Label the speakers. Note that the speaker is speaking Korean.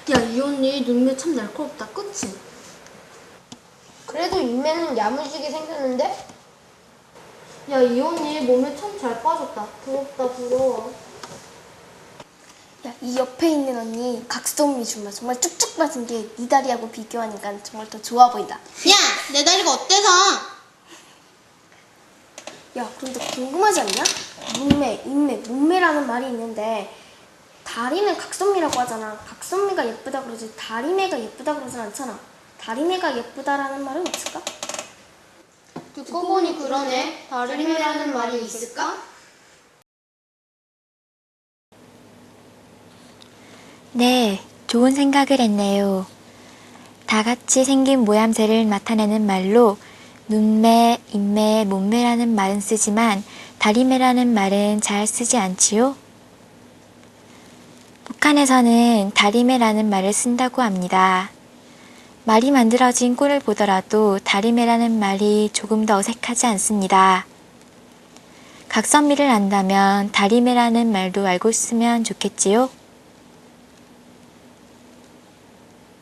Speaker 1: 야, 이 언니 눈매 참 날카롭다, 그치?
Speaker 2: 그래도 인매는 야무지게 생겼는데?
Speaker 1: 야, 이 언니 몸에 참 잘 빠졌다. 부럽다, 부러워.
Speaker 3: 야, 이 옆에 있는 언니 각선미 정말 쭉쭉 빠진 게 네 다리하고 비교하니까 정말 더 좋아 보인다.
Speaker 4: 야, 내 다리가 어때서?
Speaker 3: 야, 그런데 궁금하지 않냐? 눈매, 인매, 몸매라는 말이 있는데 다리는 각선미라고 하잖아. 각선미가 예쁘다 그러지 다리매가 예쁘다 그러진 않잖아. 다리매가 예쁘다라는 말은 없을까?
Speaker 4: 듣고 보니 그러네. 다리매라는 말이 있을까?
Speaker 5: 네, 좋은 생각을 했네요. 다 같이 생긴 모양새를 나타내는 말로 눈매, 인매, 몸매라는 말은 쓰지만 다리매라는 말은 잘 쓰지 않지요? 북한에서는 다리매라는 말을 쓴다고 합니다. 말이 만들어진 꼴을 보더라도 다리매라는 말이 조금 더 어색하지 않습니다. 각선미를 안다면 다리매라는 말도 알고 쓰면 좋겠지요?